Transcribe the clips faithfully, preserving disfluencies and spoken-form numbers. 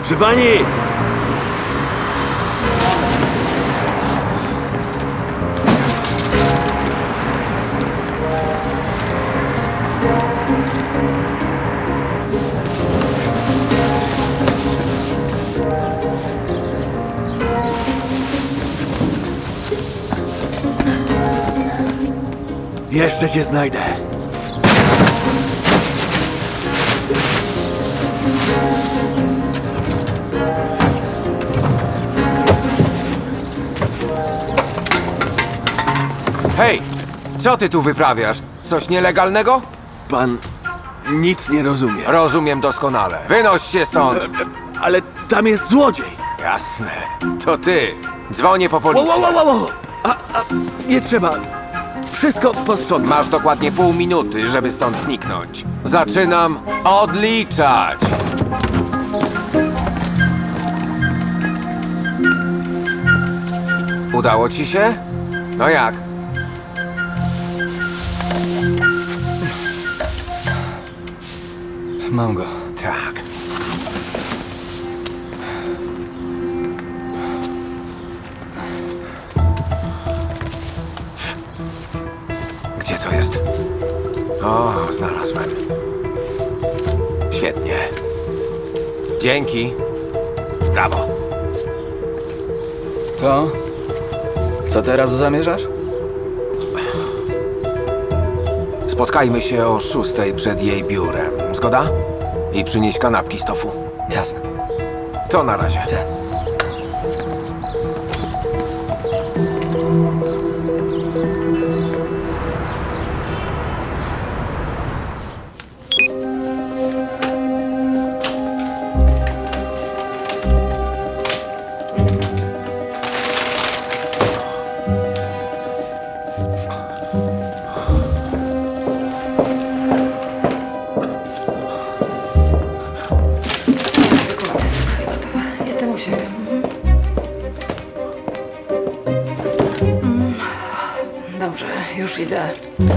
Proszę pani! Jeszcze cię znajdę. Hej! Co ty tu wyprawiasz? Coś nielegalnego? Pan nic nie rozumie. Rozumiem doskonale. Wynoś się stąd! E, Ale tam jest złodziej. Jasne. To ty. Dzwonię po Wow, policję. wow, wow, wow. A, a, nie trzeba. Wszystko posprzątam. Masz dokładnie pół minuty, żeby stąd zniknąć. Zaczynam odliczać. Udało ci się? No jak? Mam go. Tak. Gdzie to jest? O, znalazłem. Świetnie. Dzięki. Brawo. To? Co teraz zamierzasz? Spotkajmy się o szóstej przed jej biurem. Zgoda? I przynieś kanapki z tofu. Jasne. To na razie. Te. Dokumenty są prawie gotowe. Jestem u siebie. Mhm. Mm. Dobrze, już idę.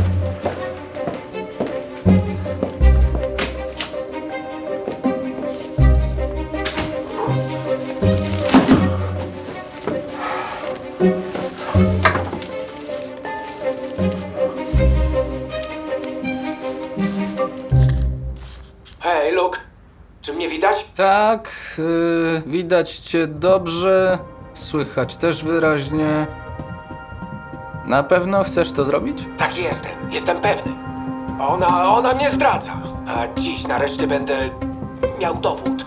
Hej, Luke. Czy mnie widać? Tak, yy, widać cię dobrze, słychać też wyraźnie. Na pewno chcesz to zrobić? Tak jestem. Jestem pewny. Ona, ona mnie zdradza. A dziś nareszcie będę miał dowód.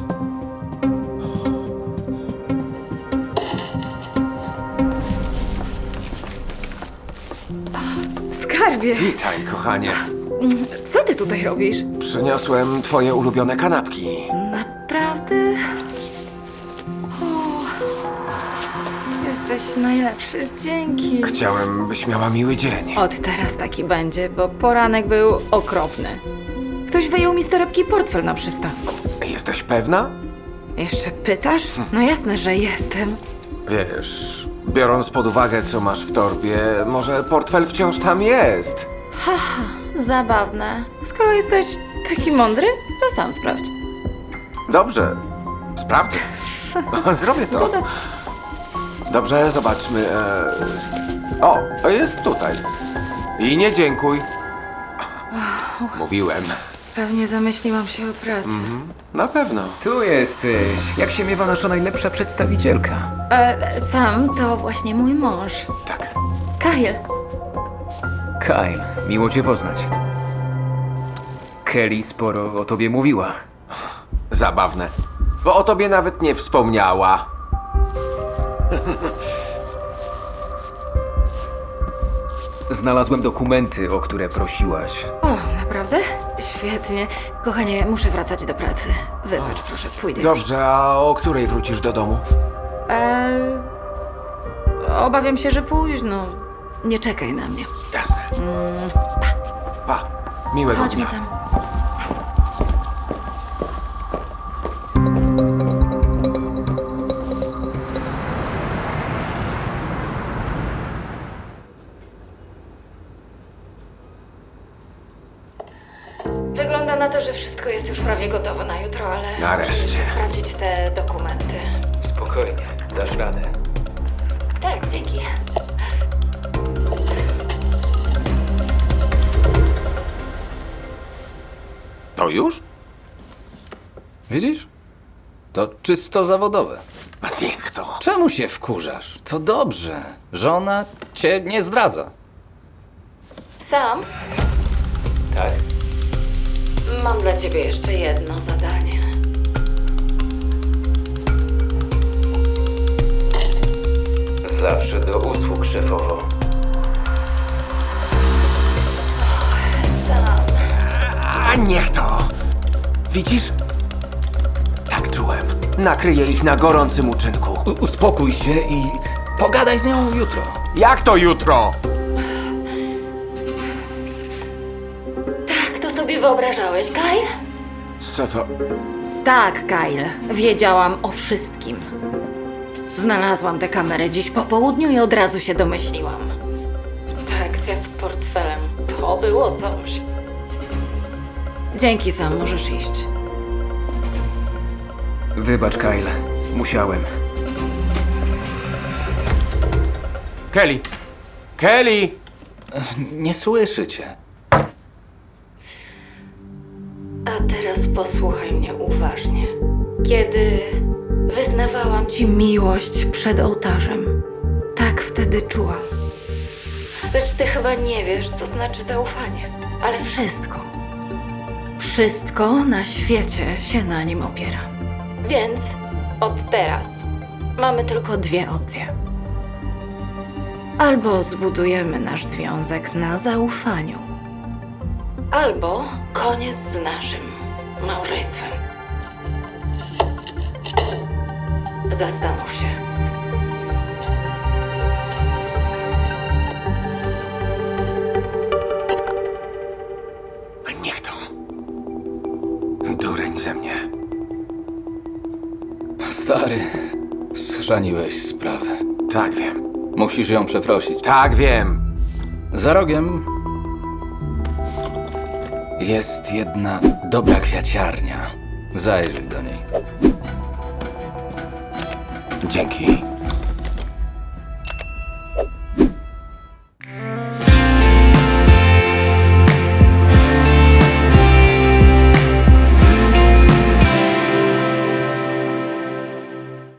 Skarbie, Witaj, kochanie. co ty tutaj robisz? Przyniosłem twoje ulubione kanapki. Naprawdę? O, jesteś najlepszy, dzięki. Chciałem, byś miała miły dzień. Od teraz taki będzie, bo poranek był okropny. Ktoś wyjął mi z torebki portfel na przystanku. Jesteś pewna? Jeszcze pytasz? No jasne, że jestem. Wiesz, biorąc pod uwagę, co masz w torbie, może portfel wciąż tam jest. Haha, zabawne. Skoro jesteś taki mądry, to sam sprawdź. Dobrze, sprawdzę. Zrobię to. Zgoda. Dobrze, zobaczmy. E... O, jest tutaj. I nie dziękuj. Mówiłem. Pewnie zamyśliłam się o pracy. Na pewno. Tu jesteś. Jak się miewa nasza najlepsza przedstawicielka? E, Sam to właśnie mój mąż. Tak. Kyle. Kyle, miło cię poznać. Kelly sporo o tobie mówiła. Zabawne. Bo o tobie nawet nie wspomniała. Znalazłem dokumenty, o które prosiłaś. O, naprawdę? Świetnie. Kochanie, muszę wracać do pracy. Wybacz, proszę, pójdę już. Dobrze, a o której wrócisz do domu? E, obawiam się, że późno. Nie czekaj na mnie. Jasne. Pa. Miłego Chodźmy dnia. sam. Wygląda na to, że wszystko jest już prawie gotowe na jutro, ale Nareszcie. muszę jeszcze sprawdzić te dokumenty. Spokojnie, dasz radę. Tak, dzięki. To już? Widzisz? To czysto zawodowe. A niech to. Czemu się wkurzasz? To dobrze. Żona cię nie zdradza. Sam, Tak? mam dla ciebie jeszcze jedno zadanie. Zawsze do usług, szefowo. Sam. A niech to. Widzisz? Tak czułem. Nakryję ich na gorącym uczynku. U- uspokój się i pogadaj z nią jutro. Jak to jutro? Tak to sobie wyobrażałeś, Kyle? Co to? Tak, Kyle. Wiedziałam o wszystkim. Znalazłam tę kamerę dziś po południu i od razu się domyśliłam. Ta akcja z portfelem. To było coś. Dzięki, Sam. Możesz iść. Wybacz, Kyle. Musiałem. Kelly! Kelly! Nie słyszy cię. A teraz posłuchaj mnie uważnie. Kiedy wyznawałam ci miłość przed ołtarzem, tak wtedy czułam. Lecz ty chyba nie wiesz, co znaczy zaufanie. Ale wszystko, wszystko na świecie się na nim opiera. Więc od teraz mamy tylko dwie opcje. Albo zbudujemy nasz związek na zaufaniu, albo koniec z naszym małżeństwem. Zastanów się. A niech to. Dureń ze mnie. Stary, schrzaniłeś sprawę. Tak wiem. Musisz ją przeprosić. Tak wiem. Za rogiem jest jedna dobra kwiaciarnia. Zajrzyj do niej. Dzięki.